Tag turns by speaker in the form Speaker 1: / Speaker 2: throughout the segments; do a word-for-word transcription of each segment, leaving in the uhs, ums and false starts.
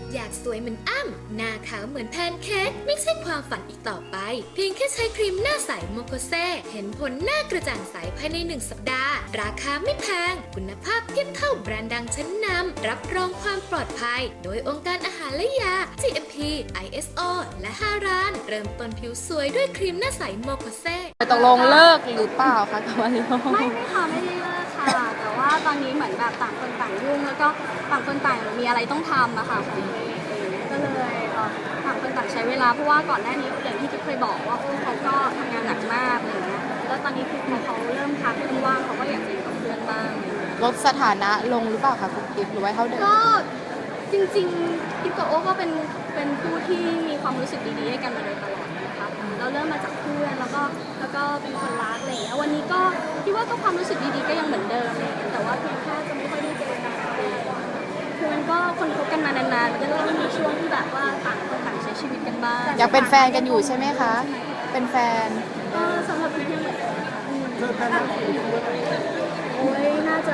Speaker 1: อยากสวยเหมือนอ้ำหน้าขาวเหมือนแพนเค้กไม่ใช่ความฝันอีกต่อไปเพียงแค่ใช้ครีมหน้าใสโมโคเซเห็นผลหน้ากระจ่างใสภายในหนึ่งสัปดาห์ราคาไม่แพงคุณภาพเทียบเท่าแบรนด์ดังชั้นนำรับรองความปลอดภัยโดยองค์การอาหารและยา จี เอ็ม พี ไอ เอส โอ และห้าร้านเริ่มต้นผิวสวยด้วยครีมหน้าใสโมโคเซ
Speaker 2: ตกลงเลิกหรือเปล่าคะกับมาริโอ
Speaker 3: ไม่ไม่ค่ะไม่ได้เลิกค่ะแต่ว่าตอนนี้เหมือนแบบต่างคนต่างยุ่งแล้วก็ต่างคนต่างมีอะไรต้องทำอะค่ะของตัวเองก็เลยเอ่อต่างคนต่างใช้เวลาเพราะว่าก่อนหน้านี้อย่างที่กิ๊บเคยบอกว่าเขาก็ทำงานหนักมากอะไรเงี้ยแล้วตอนนี้คือพอเขาเริ่มพักเริ่มว่างเขาก็อยากจะอยู่กับเพื่อนบ้าง
Speaker 2: ลดสถานะลงหรือเปล่าคะคุณกิ๊บหรือว่าเท่าเดิม
Speaker 3: ก็จริงๆกิ๊บกับโอ้ก็เป็นเป็นผู้ที่มีความรู้สึกดีๆให้กันมาโดยตลอดนะคะเราเริ่มมาจากเพื่อนแล้วก็แล้วก็เป็นคนรักอะไรอย่างเงี้ยวันนี้ก็คิดว่าก็ความรู้สึกดีๆก็ยังเหมือนเดิมเลยแต่ว่าเพียงแค่จะไม่ค่อยได้เจอกันคือมันก็คนคบกันมานานๆมันก็ต้องมีช่วงที่แบบว่าต่างคนต่างใช้ชีวิตกันบ้าง
Speaker 2: อยากเป็นแฟนกันอยู่ใช่ไหมคะเป็นแฟน
Speaker 3: ก็สำหรับพี่ยังเหมือนเดิมโอ้ยน่าจะ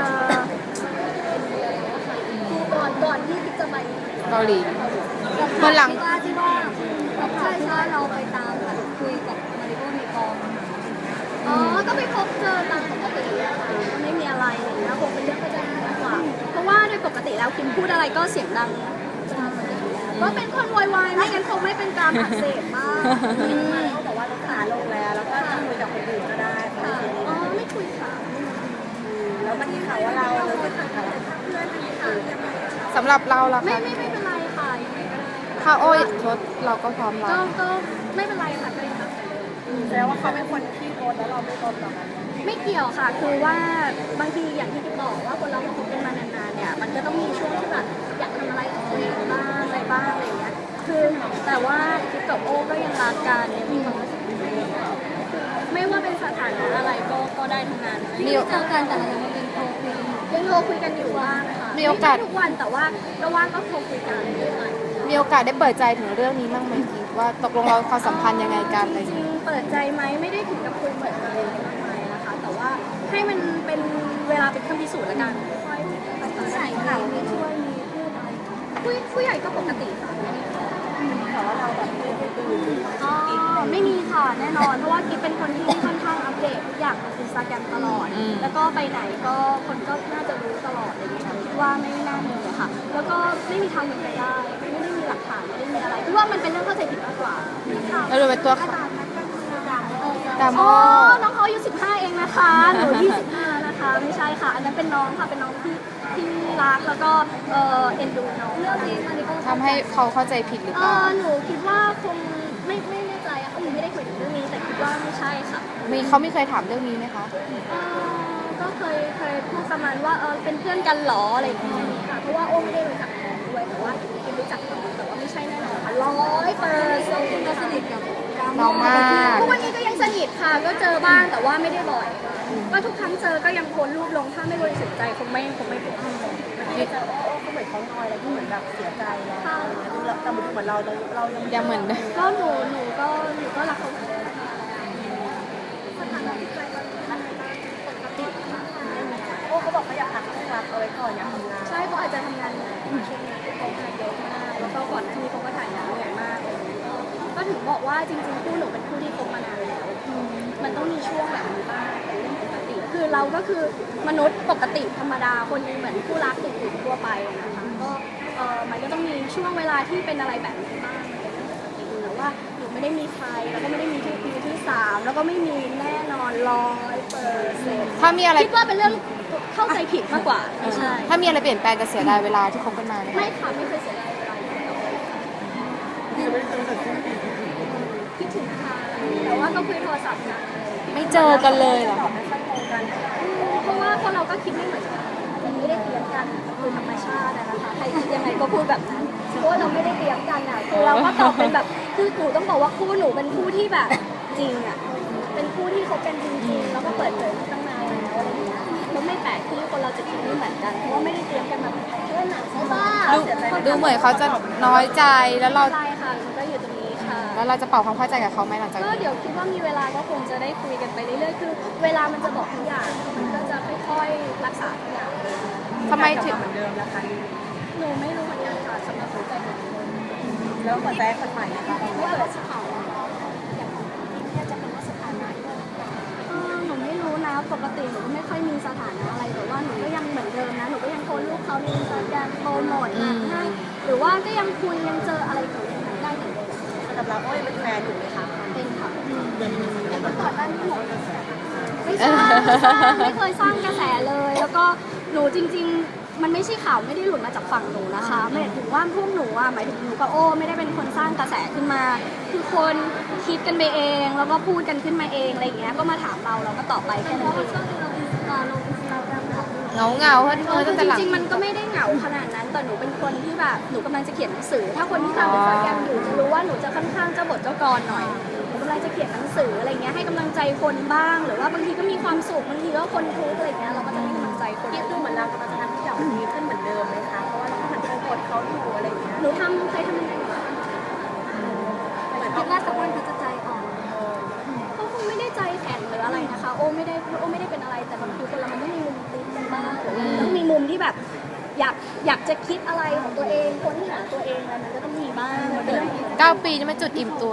Speaker 3: ก่อนก่อนที่กิ๊บจะไป
Speaker 2: เกาหลี
Speaker 3: คนหลังที่ว่าที่ว่าใช่ใช่เราไปตามแบบคุยกับมาริโอในกองอ๋อก็ไปพบเจอตามปกติอะค่ะก็ไม่มีอะไรอะไรเงี้ยคงเป็นเรื่องเข้าใจมากกว่าเพราะว่าโดยปกติแล้วคิมพูดอะไรก็เสียงดังก็เป็นคนวายๆไม่งั้นคงไม่เป็นการอักเสบมากเขาบอกว่ารักษาลงแล้วแล้วก็คุยกับคนอื่นก็ได้ค่ะอ๋อไม่คุยค่ะแล้วมันมีข่าวว่าเราเราเป็นเพื่อนค่ะ
Speaker 2: สำหรับเราล่ะ
Speaker 3: ไม่
Speaker 2: คะ
Speaker 3: ไม่ไม่เป็นไรค่ะยังไงก็ได้
Speaker 2: ถ้าโอ้ยชดเราก็พร้อมรับ
Speaker 3: ก็ก็ไม่เป็นไรค่ะก็ยังรับแสดงว่าเขาเป็นคนที่โกนแล้วเราไม่โกนหรอกไม่เกี่ยวค่ะคือว่าบางทีอย่างที่กิ๊บบอกว่าคนเราพอคบกันมานานๆเนี่ยมันก็ต้องมีช่วงที่แบบอยากทำอะไรกับตัวเองบ้างอะไรบ้างอะไรอย่างเงี้ยคือแต่ว่ากิ๊บกับโอ้ก็ยังรักกันยังมีความรู้สึกดีไม่ว่าเป็นสถานะอะไรก็ก็ได้ทั้งนั้นมีเจอกันแต่เรายังเป็นโทรคุยยังโทรคุยกันอยู่บ้างค่ะ
Speaker 2: มีโอกาส
Speaker 3: ทุกวันแต่ว่าก็ว่างก็โทรคุยกัน
Speaker 2: มีโอกาสได้เปิดใจถึงเรื่องนี้บ้างไหมกิ๊บว่าตกลงเราความสัมพันธ์ยังไงกันอะไรอย่างเงี้ย
Speaker 3: เปิดใจไหมไม่ได้ถึงกับคุยเปิดใจมากมายนะคะแต่ว่าให้มันเป็นเวลาเป็นเครื่องพิสูจน์ละกันค่อยๆใส่ข่าวมีช่วยมีพูดอะไรผู้ผู้ใหญ่ก็ปกติค่ะแต่ว่าเราแบบอ๋อไม่มีค่ะแน่นอนเพราะว่ากิ๊บเป็นคนที่ค่อนข้างอัปเดตทุกอย่างบนอินสตาแกรมตลอดแล้วก็ไปไหนก็คนก็น่าจะรู้ตลอดอะไรอย่างเงี้ยคิดว่าไม่น่ามีอะค่ะแล้วก็ไม่มีทางเป็นไปได้ไม่ได้มีหลักฐานไม่ได้มีอะไรคิดว่ามันเป็นเรื่องเข้าใจผิดมากกว่า
Speaker 2: แล้วเราเป็นตัวดามโม
Speaker 3: อ๋อน้องเขาอายุสิบห้าเองนะคะหนูยี่สิบห้าแล้วนะคะไม่ใช่ค่ะอันนั้นเป็นน้องค่ะเป็นน้องที่ที่รักแล้วก็เออเอ็นดูน้องเรื่องนี้มาริโอ
Speaker 2: ทำให้เขาเข้าใจผิดหรือเปล่า
Speaker 3: หนูคิดว่าคงไม่ไม่แน่ใจอะค่ะหนูไม่ได้คุยถึงเรื่องนี้แต่คิดว่าไม่ใช่ค่ะ
Speaker 2: มีเขาไม่เคยถามเรื่องนี้ไหมคะ
Speaker 3: ก็เคยเคยพูดประมาณว่าเออเป็นเพื่อนกันหรออะไรอย่างเงี้ยค่ะเพราะว่าโอ้ไม่ได้รู้จักน้องด้วยแต่ว่าคิดรู้จักน้องแต่ว่าไม่ใช่แน่นอนร้อยเปอร์เซ็นต์ก็สนิทกับ
Speaker 2: น้องมาก
Speaker 3: ทุกวันนี้ก็ยังสนิทค่ะก็เจอบ้างแต่ว่าไม่ได้บ่อยก็ทุกครั้งเจอก็ยังโพสรูปลงถ้าไม่บริสุทธิ์ใจคงไม่คงไม่โพสไม่เจอว่าโอ้เขาเหมือนเขาน้อยอะไรที่เหมือนแบบเสียใจแล้วแต่เหมือนเราเรา
Speaker 2: ยังเหมือน
Speaker 3: ก็หนูหนูก็หนูก็รักเขาสถานะจิตใจตอนนี้มันปกติค่ะโอ้เขาบอกเขาอยากพักช่วงรับเอาไว้ก่อนอยากทำงานใช่เขาอาจจะทำงานช่วงนี้เขางานเยอะมากแล้วก็ก่อนหน้านี้เขาก็ถ่ายงานเหนื่อยมากก็ถึงบอกว่าจริงๆคู่หนูเป็นคู่ที่คบมานานแล้วมันต้องมีช่วงแบบนี้บ้างเป็นเรื่องปกติคือเราก็คือมนุษย์ปกติธรรมดาคนนึงเหมือนคู่รักอื่นๆทั่วไปนะคะก็เออมันก็ต้องมีช่วงเวลาที่เป็นอะไรแบบนี้บ้างแต่ว่าหนูไม่ได้มีใครแล้วก็ไม่ได้มีที่มือที่สามแล้วก็ไม่มีแน่นอนร้อยเปอร์เซ็นต์
Speaker 2: ถ้ามีอะไร
Speaker 3: คิดว่าเป็นเรื่องเข้าใจผิดมากกว่าไม่ใช่
Speaker 2: ถ้ามีอะไรเปลี่ยนแปลงจะเสียดายเวลาที่คบกันมา
Speaker 3: ไม่ค่ะไม่เคยเสียดายเวลาคิดถึงค่ะแต่ว่าก็คุยโทรศัพท์นะ
Speaker 2: ไม่เจอกันเลยเหรอ
Speaker 3: เพราะว่าพวกเราก็คิดไม่เหมือนกันยังไม่ได้เตรียมกันคือธรรมชาตินะคะใครคิดยังไงก็พูดแบบนั้นเพราะว่าเราไม่ได้เตรียมกันอ่ะคือเราก็ตอบเป็นแบบคือหนูต้องบอกว่าคู่หนูเป็นคู่ที่แบบจริงอ่ะเป็นคู่ที่คบกันจริงๆแล้วก็เปิดเผยมาตั้งนานแล้วอะไรอย่างเงี้ยมันไม่แปลกที่คนเราจะคิดไม่เหมือนกันเพราะว่าไม่ได้เตรียมกันมาเพื่อนหนักใช่ป่ะ
Speaker 2: ดูเหมือนเขาจะน้อยใจแล้วเรา
Speaker 3: ใช่ค่ะมันก็อยู่ตรงนี้ค่ะ
Speaker 2: แล้วเราจะเป่าความเข้าใจกับเขาไหมหลังจาก
Speaker 3: ก็เดี๋ยวคิดว่ามีเวลาก็คงจะได้คุยกันไปเรื่อยๆคือเวลามันจะบอกทุกอย่างมันก็จะค่อยๆรักษาทุกอย่าง
Speaker 2: ทำไมถึง
Speaker 3: เหมือนเดิมนะคะหนูไม่รู้เหมือนกันค่ะสำหรับหัวใจหนูแล้วเปิดใจคนใหม่ไหมคะ
Speaker 4: ว่าเราสถานะอย่างของพี่เนี่ยจะเป็นว่าสถานะด้วย
Speaker 3: เออหนูไม่รู้นะปกติหนูก็ไม่ค่อยมีสถานะอะไรแต่ว่าหนูก็ยังเหมือนเดิมนะหนูก็ยังโพสต์รูปเขาในอินสตาแกรมโปรโมทงานให้หรือว่าก็ยังคุยยังเจออะไรกับยังไงได้เหมือนเดิม
Speaker 4: สำหรับเราโอ้ยเป็นแฟนอยู่ไหมคะ
Speaker 3: เป็นค่ะ
Speaker 4: แต่เมื่อก่อนหน้านี้หนู
Speaker 3: ไม่สร้างไม่เคยสร้างกระแสเลย แล้วก็หนูจริง ๆ มันไม่ใช่ข่าวไม่ได้หลุดมาจากฝั่งหนูนะคะหมายถึงว่าพวกหนูอ่ะหมายถึงหนูกับโอ้ไม่ได้เป็นคนสร้างกระแสขึ้นมา คือคนคิดกันไปเอง แล้วก็พูดกันขึ้นมาเองอะไรอย่างเงี้ยก็มาถามเราเราก็ตอบไปแค่นั้นเอง
Speaker 2: เหงาเงาๆเฮ้ยเธอตั้งแต่หลัง
Speaker 3: จริงๆมันก็ไม่ได้เหงาขนาดนั้น แต่หนูเป็นคนที่แบบหนูกำลังจะเขียนหนังสือ ถ้าคนที่ทำอินสตาแกรมอยู่จะรู้ว่าหนูจะค่อนข้างเจ้าบทเจ้ากรหน่อยหนูกำลังจะเขียนหนังสืออะไรเงี้ยให้กำลังใจคนบ้าง หรือว่าบางทีก็มีความสุขบางทีก็คนทุกข์อะไรเงี้ยเราก็จะให้กำลังใจคน
Speaker 4: คิดดูเหมือนเรากำลังจะทำทุกอย่างมันดีขึ้นเหมือนเดิมไหมคะเพราะว่าเราก็หันไปกดเขาอยู่อะไรอย่างเงี้ย
Speaker 3: หนูทำใครทำยังไงวะ
Speaker 4: เหมือน
Speaker 3: คิ
Speaker 4: เขา
Speaker 3: ดว่าสักวันเขาจะใจอ่อนเขาคงไม่ได้ใจแข็งหรืออะไรนะคะ โอ้ไม่ได้โอ้ไม่ได้เป็นอะไรแต่บางทีคนเรามันต้องมีมุมติดกันบ้างหรือว่ามันต้องมีมุมที่แบบ อยากอยากจะคิดอะไรของตัวเองคนที่หาตัวเองอะไรมันก็ต้องมีบ้างมันเป็นเรื่องปกติ
Speaker 2: เก้าปีจะไม่จุดอิ่มตัว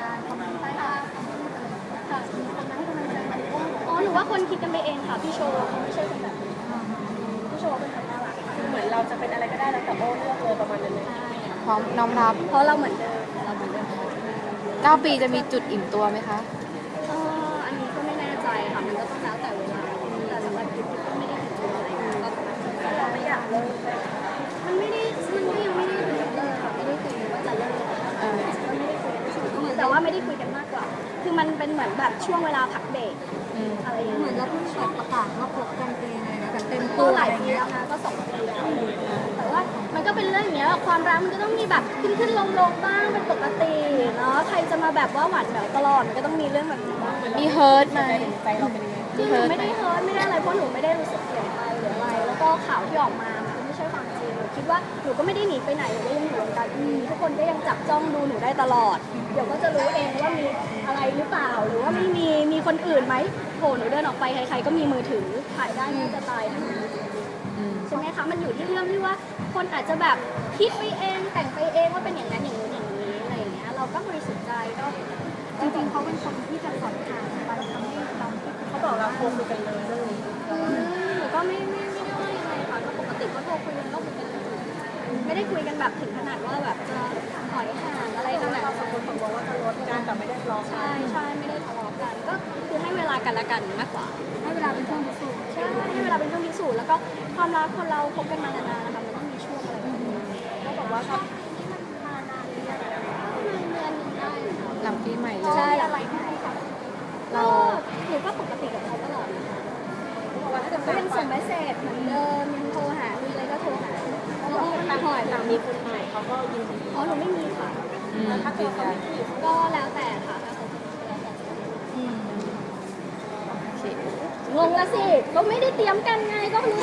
Speaker 3: อ๋อหนูว่าคนคิดกันไปเองค่ะพี่โชว์เขาไม่ใช่คนแบบนี้พี่โชว์เป็นคนน่ารัก
Speaker 4: คือเหมือนเราจะเป็นอะไรก็ได้แล้วแต่โอ้เลือกเลยประมาณนั้นเลย
Speaker 3: ใช่
Speaker 2: พร้อมน้อมรับ
Speaker 3: เพราะเราเหมือนเดิมเราเหมือนเดิม
Speaker 2: เก้าปีจะมีจุดอิ่มตัวไหมคะ
Speaker 3: เอออันนี้ก็ไม่แน่ใจค่ะมันก็ต้องแล้วแต่เวลาแต่สำหรับกิ๊บก็ไม่ได้ถึงจุดอะไรนะก็
Speaker 4: เราไม่อยากเลิกเลย
Speaker 3: มันไม่ได้มันก็ยังไม่ได้ถึงเลิกค่ะไม่ได้คุยว่าจะเลิก
Speaker 2: เออ
Speaker 3: ก็ไม่ได้คุยกันแต่ว่าไม่ได้คุยกันมากกว่า คือมันเป็นเหมือนแบบช่วงเวลาพักเบรก
Speaker 2: อืม
Speaker 3: อะไรอย่าง
Speaker 4: เหมื
Speaker 3: เงี้
Speaker 4: อย นเราเพิ่งแบบประกาศว่าคบกันปีไงนะแบบเต็ม
Speaker 3: ก็
Speaker 4: ตัว
Speaker 3: ห
Speaker 4: อะ
Speaker 3: ลาย
Speaker 4: ไร
Speaker 3: ปี
Speaker 4: เงี้ย
Speaker 3: แล้วนะก็สองปีแล้วแต่ว่ามันก็เป็นเรื่องอย่างเงี้ยความรักมันก็ต้องมีแบบขึ้นขึ้นลงลงบ้างเป็นปกติเนาะใครจะมาแบบว่าหวานแหววตลอดมันก็ต้องมีเรื่องแบบนี้บ้าง
Speaker 2: มีเฮิร์ตไหม
Speaker 4: ใจเราเป็นยังไง
Speaker 3: คือหนูไม่ได้เฮิร์ตไม่ได้อะไรเพราะหนูไม่ได้รู้สึกเสียใจหรืออะไร แล้วก็ข่าวที่ออกมามันก็ไม่ใช่ความจริงหนูคิดว่าหนูก็ไม่ได้หนีไปไหนหนูก็ยังอยู่วงการทีวีทุกคนก็ยังจับจ้องดูหนูได้ตลอด เดี๋ยวก็จะรู้เองว่ามีอะไรหรือเปล่าหรือว่าไม่มีมีคนอื่นไหมโหหนูเดินออกไปใครๆก็มีมือถือถ่ายได้ไม่จะตายทั้งนั้น
Speaker 2: อืม
Speaker 3: ใช่ไหมคะ มันอยู่ที่เรื่องที่ว่าคนอาจจะแบบคิดไปเองแต่งไปเองว่าเป็นอย่างนั้นอย่างนู้นอย่างนี้อะไรอย่างเงี้ย เราก็บริสุทธิ์ใจก็
Speaker 4: จริงๆเขาเป็นคนที่จะสอนทางไปทำให้เราเขาบอกเราโทรคุยกันเลยเรื่องนี้
Speaker 3: อืมหนูก็ไม่ไม่ไม่ได้ว่ายังไงค่ะก็ปกติก็โทรคุยกันก็คุยกันเลยไม่ได้คุยกันแบบถึงขนาดว่าแบบจะถอยห่างอะไรขนาด
Speaker 4: เรา
Speaker 3: นั้น
Speaker 4: สองคนบอกว่าจะลดกันแต่ไม่ได้ทะเลาะกั
Speaker 3: ใช่
Speaker 4: น
Speaker 3: ใช่ไม่ได้ทะเลาะกัน ก็คือให้เวลากันละกันมากกว่า
Speaker 4: ให้เวลาเป็นช่วงพิสูจน์
Speaker 3: ใช่ให้เวลาเป็นช่วงพิสูจน์แล้วก็ความรักคนเราคบกันมานานๆนะคะมันต้องมีช่วงอะไรแบบนี้
Speaker 4: ก็บอกว่าเขา
Speaker 3: ประมาณเดือนหนึ่งได้ค่ะ
Speaker 2: หลังปีใหม่เลย
Speaker 3: ใช่อะไรให้ค่ะเราหนูก็ปกติกับเขาตลอดนะคะ
Speaker 4: บอกว่าถ้าเกิด
Speaker 3: ก็ยังส่งเมสเซจเหมือนเดิมยังโทรหามีอะไรก็โทรหาเขาบอกว่า
Speaker 4: ต่าง
Speaker 3: หอย
Speaker 4: ต่างมีคนใหม่เขาก็ยินดี
Speaker 3: อ๋อหนูไม่มีค่ะ
Speaker 2: อืม
Speaker 4: ถ้าเกิดเขาไม่มี
Speaker 3: ก็แล้วแต่ค่ะถ้าเขาแล้วแต่
Speaker 2: อืมโอเค
Speaker 3: งงละสิ ก็ไม่ได้เตรียมกันไงก็รู้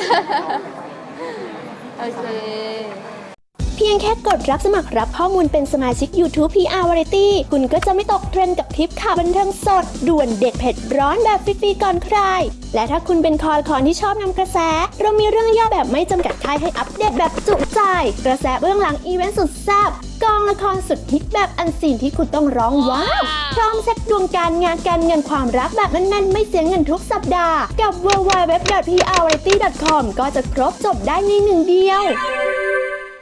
Speaker 2: โอเค
Speaker 5: เพียงแค่กดรับสมัครรับข้อมูลเป็นสมาชิก YouTube พี อาร์ Variety คุณก็จะไม่ตกเทรนด์กับทริปข่าวบันเทิงสด ด่วนเด็ดเผ็ดร้อนแบบฟรีๆก่อนใคร และถ้าคุณเป็นคอคอนที่ชอบนำกระแส เรามีเรื่องย่อแบบไม่จำกัดค่ายให้อัปเดตแบบจุใจ กระแสเบื้องหลังอีเวนต์สุดแซ่บกองละครสุดฮิตแบบอันซีนที่คุณต้องร้องว้าวพร้อมเซ็ตดวงการงานการเงินความรักแบบแน่นๆไม่เสียเงินทุกสัปดาห์กับ ดับเบิลยู ดับเบิลยู ดับเบิลยู ดอท พี อาร์ วาไรตี้ ดอท คอม ก็จะครบจบได้ในหนึ่งเดียว